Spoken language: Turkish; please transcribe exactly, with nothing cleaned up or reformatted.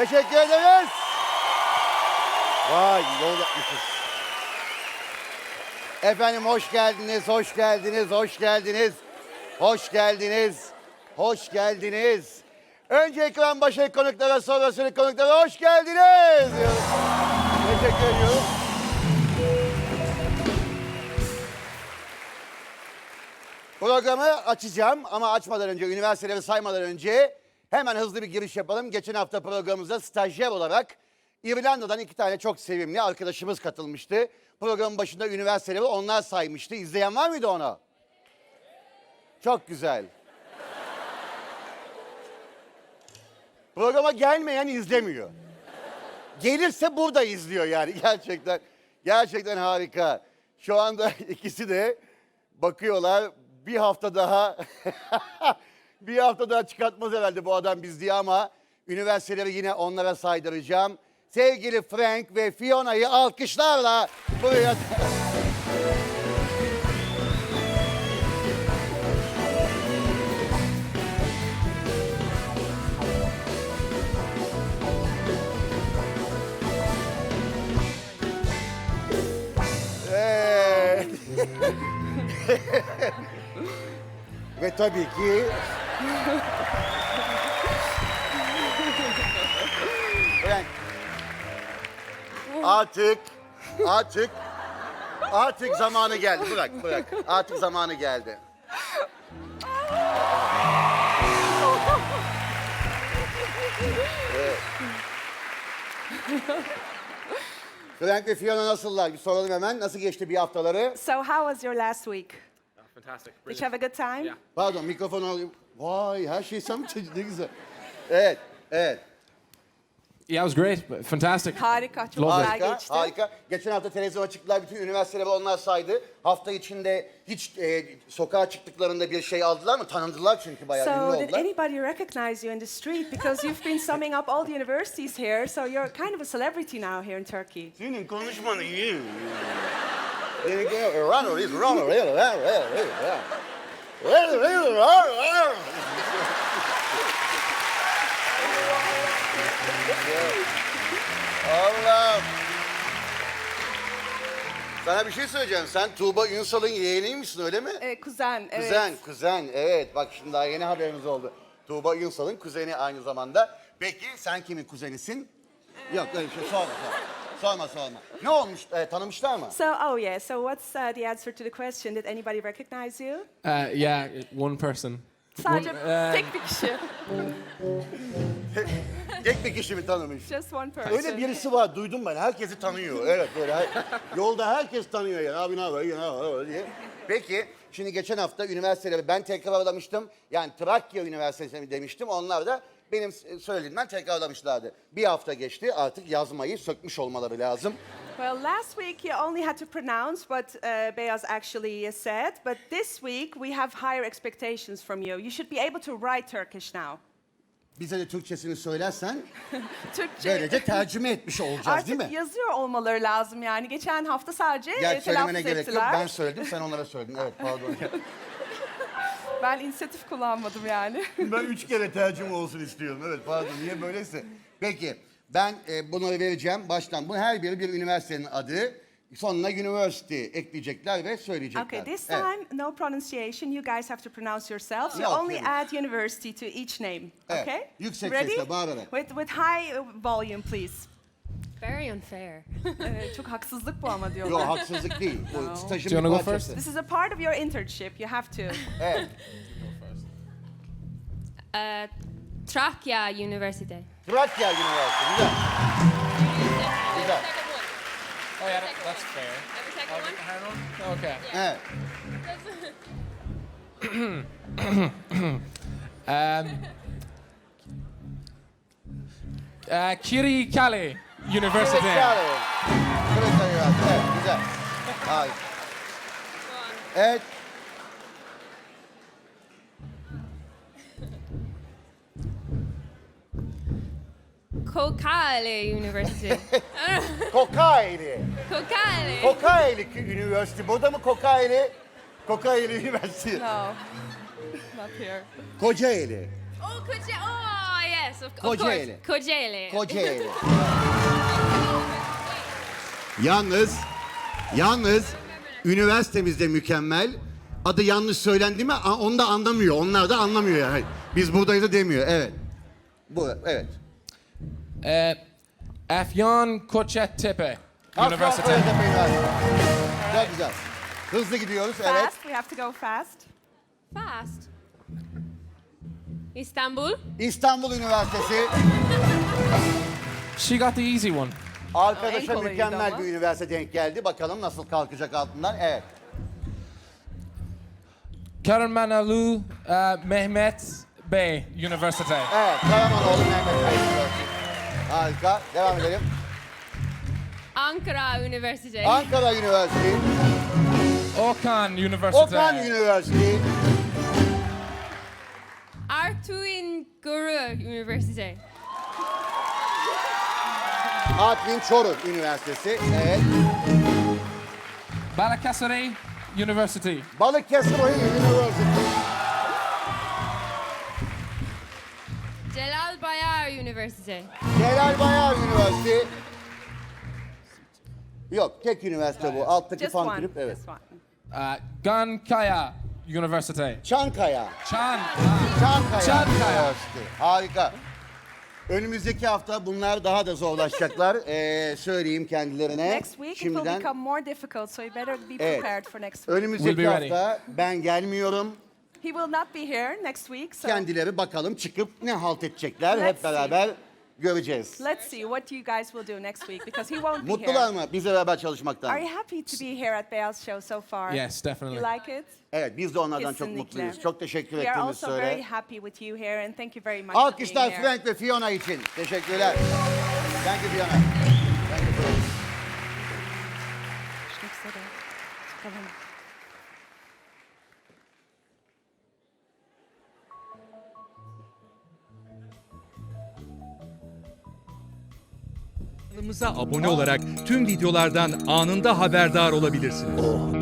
Teşekkür ederiz. Vay yol yapmışız. Efendim hoş geldiniz, hoş geldiniz, hoş geldiniz. Hoş geldiniz, hoş geldiniz. Önce ekran başı konuklara, sonra sürü konuklara hoş geldiniz diyoruz. Teşekkür ediyorum. Programı açacağım ama açmadan önce, üniversiteleri saymadan önce hemen hızlı bir giriş yapalım. Geçen hafta programımıza stajyer olarak İrlanda'dan iki tane çok sevimli arkadaşımız katılmıştı. Programın başında üniversiteleri onlar saymıştı. İzleyen var mıydı onu? Çok güzel. Programa gelmeyen izlemiyor. Gelirse burada izliyor yani gerçekten. Gerçekten harika. Şu anda ikisi de bakıyorlar. Bir hafta daha bir hafta daha çıkartmaz herhalde bu adam biz diye ama üniversiteleri yine onlara saydıracağım. Sevgili Frank ve Fiona'yı alkışlarla buraya... Evet. Ve tabii ki... Frank. Artık, artık, artık zamanı geldi. Bırak, bırak. Artık zamanı geldi. Evet. Frank ve Fiona nasıllar? Bir soralım hemen. Nasıl geçti bir haftaları? So how was your last week? Fantastic. Did you have a good time? Yeah. Pardon, mikrofonu alayım. Vay, her şey sen mi çocuk? Ne güzel. Evet, evet. Yeah, it was great. Fantastic. Harika, çok Love it. güzel Harika, geçti. harika. Geçen hafta televizyona çıktılar, bütün üniversiteleri onlar saydı. Hafta içinde hiç e, sokağa çıktıklarında bir şey aldılar mı? Tanındılar çünkü bayağı ünlü So did oldular. anybody recognize you in the street? Because you've been summing up all the universities here, so you're kind of a celebrity now here in Turkey. Senin konuşmanı iyi. Runner is runner. Allah'ım. Sana bir şey söyleyeceğim. Sen Tuğba Ünsal'ın yeğeniymişsin öyle mi? Ee, kuzen, evet. Kuzen, kuzen. Evet bak şimdi daha yeni haberimiz oldu. Tuğba Ünsal'ın kuzeni aynı zamanda. Peki sen kimin kuzenisin? Yok öyle bir şey sorma sorma. Sorma sorma. Ne olmuş? E, tanımışlar mı? So, oh yeah, so what's uh, the answer to the question? Did anybody recognize you? Uh, yeah, one person. Sadece One, uh, tek bir kişi. Tek bir kişi mi tanımış? Just one person. Öyle birisi var duydum ben. Herkesi tanıyor. Evet böyle. Her, yolda herkes tanıyor yani. Abi ne haber? Ne haber? diye. Peki şimdi geçen hafta üniversiteleri ben tekrarlamıştım. Yani Trakya Üniversitesi demiştim. Onlar da benim söylediğimden tekrarlamışlardı. Bir hafta geçti. Artık yazmayı sökmüş olmaları lazım. Well, last week you only had to pronounce what uh, Beyaz actually said, but this week we have higher expectations from you. You should be able to write Turkish now. Bize de Türkçesini söylersen Türkçe. böylece tercüme etmiş olacağız değil mi? Artık yazıyor olmaları lazım yani. Geçen hafta sadece Gel e, söylemene telaffuz gerek yok. ettiler. Ben söyledim sen onlara söyledin. Evet pardon. Ben inisiyatif kullanmadım yani. Ben üç kere tercüme olsun istiyorum. Evet pardon niye böyleyse. Peki ben e, bunları vereceğim baştan. Bu her biri bir üniversitenin adı. Sonuna university ekleyecekler ve söyleyecekler. Okay, this Evet. time no pronunciation. You guys have to pronounce yourselves. You Yok, only yok. add university to each name. Evet, Okay? yüksek Ready? sesle bağırarak. With, with high uh, volume, please. Very unfair. Ee, çok haksızlık bu ama diyorlar. Yok haksızlık değil. Bu No. stajın Do you bir wanna go parçası. This is a part of your internship. You have to. Evet. Uh, Trakya University. Trakya Üniversitesi. Güzel. Güzel. Oh yeah, that, that's fair. Okay. Evet. Um, uh, Kirikale University. Trakya. Trakya Üniversitesi. Evet güzel. Harika. Evet. Kokale University. Kocaeli. Kokale. Kocaeli Üniversitesi. Burada mı Kocaeli? Kocaeli Üniversitesi. No, not here. Kocaeli. Oh, could you? Oh, yeah. Yes, of, of Kocaeli. course. Kocaeli. Kocaeli. Yalnız, yalnız üniversitemiz de mükemmel. Adı yanlış söylendi mi a- onu da anlamıyor. Onlar da anlamıyor yani. Biz buradayız da demiyor. Evet. Bu, evet. Uh, Afyon Kocatepe University. Afyon Üniversitesi. Çok güzel. Hızlı gidiyoruz. Evet. Fast, we have to go fast. Fast. Istanbul. İstanbul Üniversitesi. She got the easy one. Arkadaşa En kolayıydı mükemmel ama. bir üniversite denk geldi. Bakalım nasıl kalkacak altından. Evet. Karamanalu uh, Mehmet Bey University. Evet. Karamanoğlu Mehmet Bey Üniversitesi. Harika. Devam edelim. Ankara University. Ankara Üniversitesi. Okan University. Okan Üniversitesi. Artvin Guru University. Artvin Çoruh Üniversitesi. Evet. Balıkesir University. Balıkesir Üniversitesi. Celal Bayar University. Celal Bayar Üniversitesi. Yok, tek üniversite bu. Alttaki Just fan one. kulüp. Evet. Just one. Uh, Gankaya University. Çankaya. Chan. Çankaya. Çankaya. Üniversitesi. Harika. Önümüzdeki hafta bunlar daha da zorlaşacaklar. Ee, söyleyeyim kendilerine. Next week it will Şimdiden. become more difficult, so you better be Evet. prepared for next week. Önümüzdeki We'll be ready. hafta ben gelmiyorum. He will not be here next week, so Kendileri bakalım çıkıp ne halt edecekler Let's hep beraber göreceğiz. let's see what you guys will do next week because he won't be Mutlular here. mı bizle beraber çalışmaktan? Are you happy to be here at Beyaz Show so far? Yes, definitely. You like it? Evet biz de onlardan çok Kesinlikle. mutluyuz. Çok teşekkür We are ettiğimiz also very söyle. happy with you here and thank you very much for Alkışlar being here. Frank ve Fiona için. Teşekkürler. Thank you Fiona. Thank you Frank. Görüşmek üzere. Hoşçakalın. Kanalımıza abone olarak tüm videolardan anında haberdar olabilirsiniz.